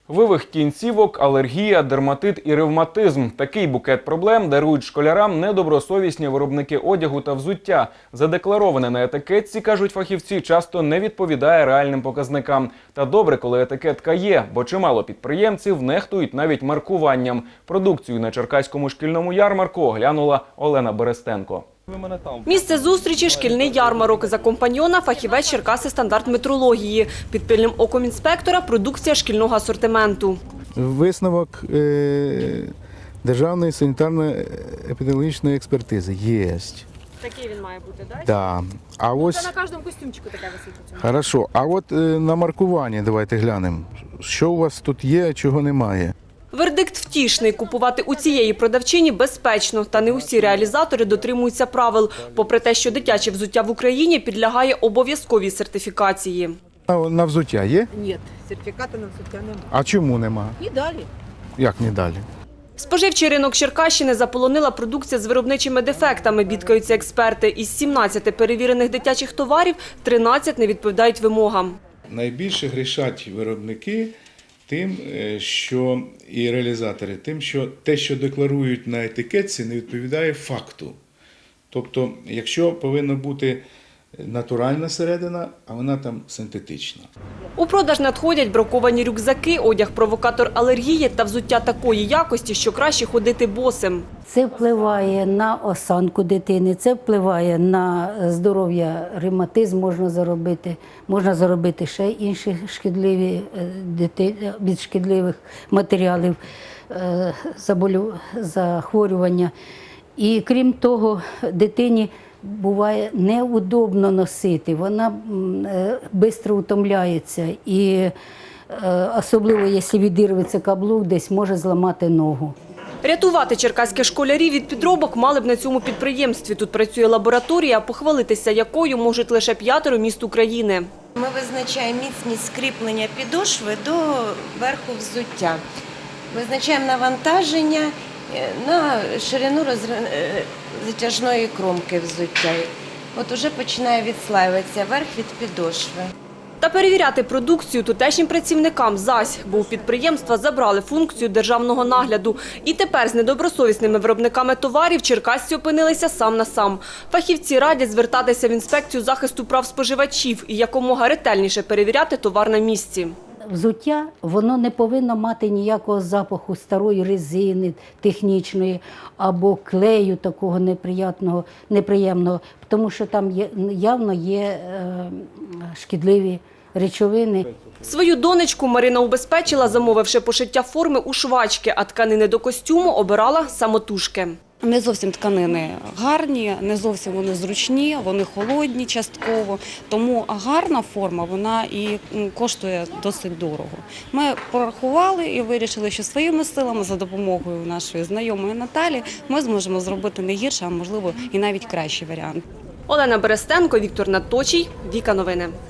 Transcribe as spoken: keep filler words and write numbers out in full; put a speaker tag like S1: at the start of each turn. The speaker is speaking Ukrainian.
S1: Вивих кінцівок, алергія, дерматит і ревматизм. Такий букет проблем дарують школярам недобросовісні виробники одягу та взуття. Задеклароване на етикетці, кажуть фахівці, часто не відповідає реальним показникам. Та добре, коли етикетка є, бо чимало підприємців нехтують навіть маркуванням. Продукцію на Черкаському шкільному ярмарку оглянула Олена Берестенко.
S2: Місце зустрічі – шкільний ярмарок. За компаньйона – фахівець Черкаси стандарт метрології. Під пильним оком інспектора – продукція шкільного асортименту.
S3: Висновок е Державної санітарно-епідеміологічної експертизи є.
S2: Такий він має бути, так?
S3: Да. А ось...
S2: Це на кожному костюмчику таке висить.
S3: Хорошо. А от е на маркуванні давайте глянемо. Що у вас тут є, а чого немає?
S2: Вердикт втішний. Купувати у цієї продавчині безпечно. Та не усі реалізатори дотримуються правил. Попри те, що дитяче взуття в Україні підлягає обов'язковій сертифікації.
S3: На, на взуття є?
S4: Ні, сертифікату на взуття немає.
S3: А чому нема?
S4: І далі.
S3: Як не далі?
S2: Споживчий ринок Черкащини заполонила продукція з виробничими дефектами, бідкаються експерти. Із сімнадцяти перевірених дитячих товарів тринадцять не відповідають вимогам.
S5: Найбільше грішать виробники тим, що і реалізатори, тим, що те, що декларують на етикетці, не відповідає факту. Тобто, якщо повинна бути натуральна середина, а вона там синтетична.
S2: У продаж надходять браковані рюкзаки, одяг-провокатор алергії та взуття такої якості, що краще ходити босим.
S6: Це впливає на осанку дитини, це впливає на здоров'я, ревматизм можна заробити, можна заробити ще інші шкідливі від шкідливих матеріалів захворювання. І крім того, дитині буває неудобно носити, вона швидко утомляється і особливо, якщо відірветься каблук, десь може зламати ногу.
S2: Рятувати черкаських школярів від підробок мали б на цьому підприємстві. Тут працює лабораторія, похвалитися якою можуть лише п'ятеро міст України.
S7: Ми визначаємо міцність скріплення підошви до верху взуття. Визначаємо навантаження на ширину затяжної кромки взуття. От уже починає відслаюватися верх від підошви.
S2: Та перевіряти продукцію тутешнім працівникам зась, бо у підприємства забрали функцію державного нагляду. І тепер з недобросовісними виробниками товарів черкасці опинилися сам на сам. Фахівці радять звертатися в інспекцію захисту прав споживачів і якомога ретельніше перевіряти товар на місці.
S6: Взуття, воно не повинно мати ніякого запаху старої резини технічної або клею такого неприємного, неприємного, тому що там є, явно є е, шкідливі речовини.
S2: Свою донечку Марина убезпечила, замовивши пошиття форми у швачки, а тканини до костюму обирала самотужки.
S8: Не зовсім тканини гарні, не зовсім вони зручні, вони холодні частково, тому гарна форма, вона і коштує досить дорого. Ми порахували і вирішили, що своїми силами, за допомогою нашої знайомої Наталі, ми зможемо зробити не гірше, а можливо і навіть кращий варіант.
S2: Олена Берестенко, Віктор Надточій, Віка Новини.